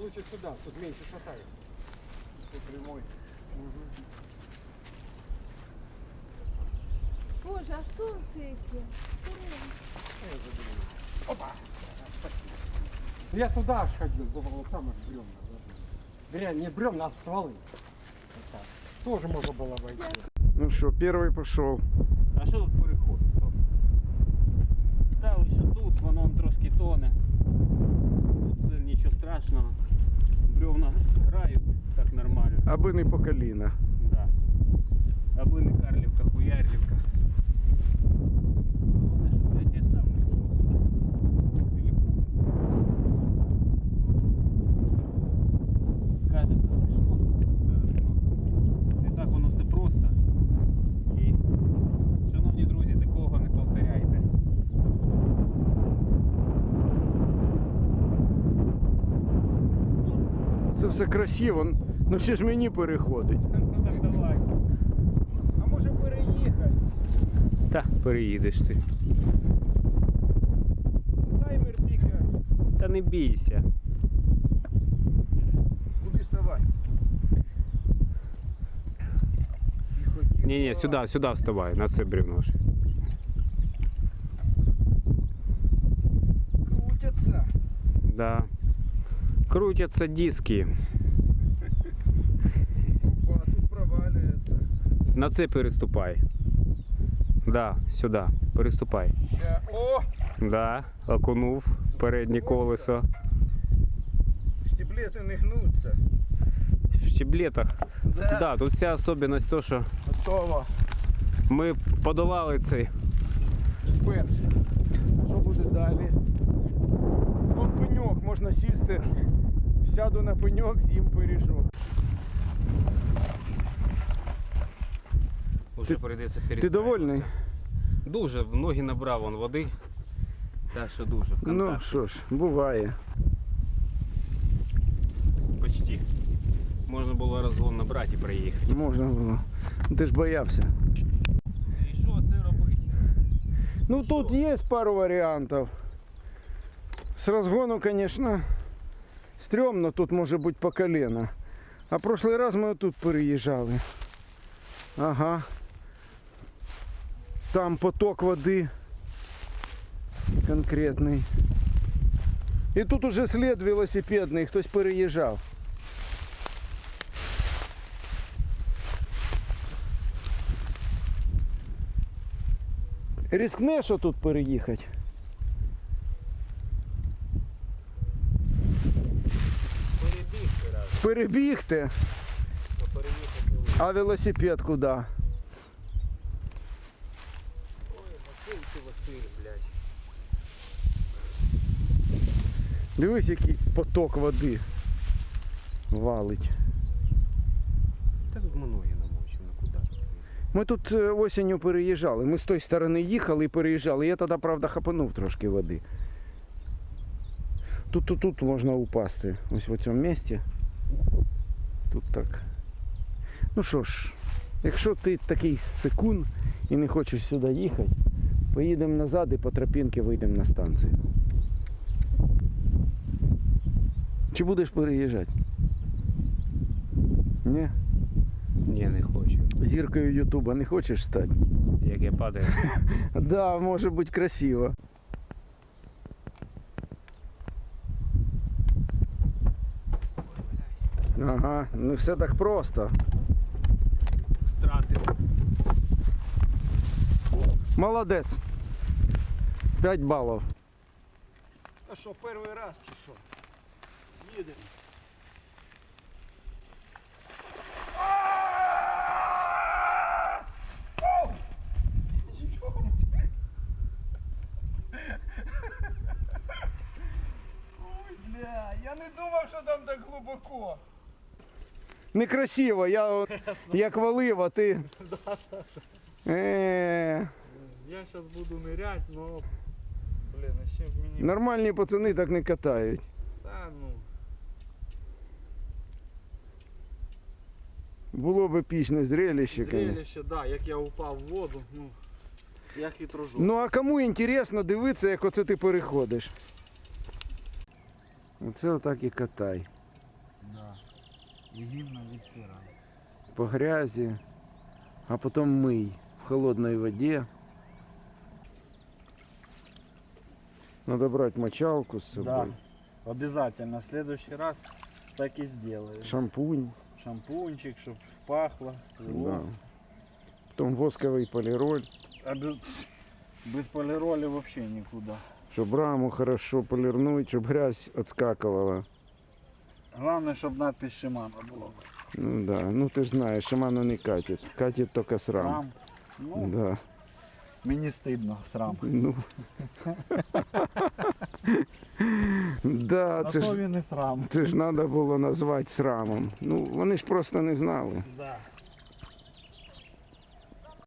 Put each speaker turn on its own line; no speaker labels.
лучше сюда, тут меньше шатает.
Тут прямой.
Боже, а сонце яке.
Опа! Я туда аж ходил, думал, вот там аж бревна. Вернее, не бревна, а стволы. Вот так. Тоже можно было обойти.
Ну что, первый пошел.
А що тут переходить? Стали, що тут, воно трошки тоне. Тут нічого страшного. Бревна грають так нормально.
Аби не по коліна.
Да. Аби не Карлівка, Хуярлівка. Головне, що, блядь, я сам не пішов сюди. Целиком. Кажеться смішно зі сторони, но не так воно все просто. І, шановні друзі, такого не повторяйте.
Це все красиво, ну ще ж мені переходить.
Ну так давай.
А може переїхати?
Та, переїдеш ти.
Таймер піка.
Та не бійся.
Куди ставай?
Ні, сюди вставай, на це бревно ж.
Крутяться.
Да. Крутятся диски.
Опа, тут провалюється.
На це переступай. Да, сюди. Переступай.
Ще. О!
Да, окунув переднє колесо.
Штиблети не гнуться.
В щеблетах.
Да.
Да, тут вся особливість то, що
Готово.
ми подолали цей.
Перше. А що буде далі? Вон пеньок, можна сісти. Сяду на пеньок, з'їм пиріжок.
Уже прийдеться перестати.
Ти довольний?
Дуже, в ноги набрав он води. Так що дуже, в
Ну
контакт.
що ж, буває.
Почти. Можна було розгон набрати і проїхати.
Можна було. Ти ж боявся.
І що це робити?
Ну тут є пару варіантів. З розгону, звісно, стрьомно, тут може бути по колено. А прошлий раз ми отут переїжджали. Ага. Там поток води конкретний. І тут уже слід велосипедний, хтось переїжджав. Рискнеш отут переїхати?
Перебігти раз,
Перебігти?
а переїхати не вийде.
А велосипед куди?
Ой, Василь ти Василь, блядь.
Дивись, який поток води валить.
Та тут ми ноги намочимо, ну куди тут?
Ми тут осінню переїжджали. Ми з тої сторони їхали і переїжджали. Я тоді, правда, хапанув трошки води. Тут можна упасти. Ось в цьому місці. Тут так. Ну що ж, якщо ти такий секунд і не хочеш сюди їхати, поїдемо назад і по тропінці вийдемо на станцію. Чи будеш переїжджати? Ні?
Ні, не хочу.
Зіркою Ютуба не хочеш стати?
Як я падаю.
Да, може бути красиво. Ага, не все так просто.
Стратив.
Молодець. 5 балів.
А что, первый раз чи що? Їдемо. Ой, бля, я не думав, що там так глибоко.
Некрасиво, я от, як валив, а ти.
Я зараз буду нырять, но, блин, ще мені...
Нормальні пацани так не катають.
Та ну...
Було б епічне зрелище, конечно.
Зрелище, да, як я упав в воду, ну, я хитрожу.
Ну а кому інтересно дивитися, як оце ти переходиш? Оце отак і катай.
І гімна відпирає.
по грязі, а потім мий в холодній воді. Надо брать мочалку с собой,
Обязательно. В следующий раз так и сделаем.
шампунь,
Шампунчик, чтобы пахло, цвело.
да. Потом восковый полироль,
Без полироли вообще никуда.
чтобы раму хорошо полирнуть, чтобы грязь отскакивала.
Главное, чтобы надпись Шимана была.
Ну да, ну ты ж знаешь, Шиману не катит, катит только срам.
Срам. Ну,
Да,
мені стидно, срам.
ну. Да,
А
це
то
ж,
він і срам.
це ж треба було назвати срамом. Ну, вони ж просто не знали.
Да.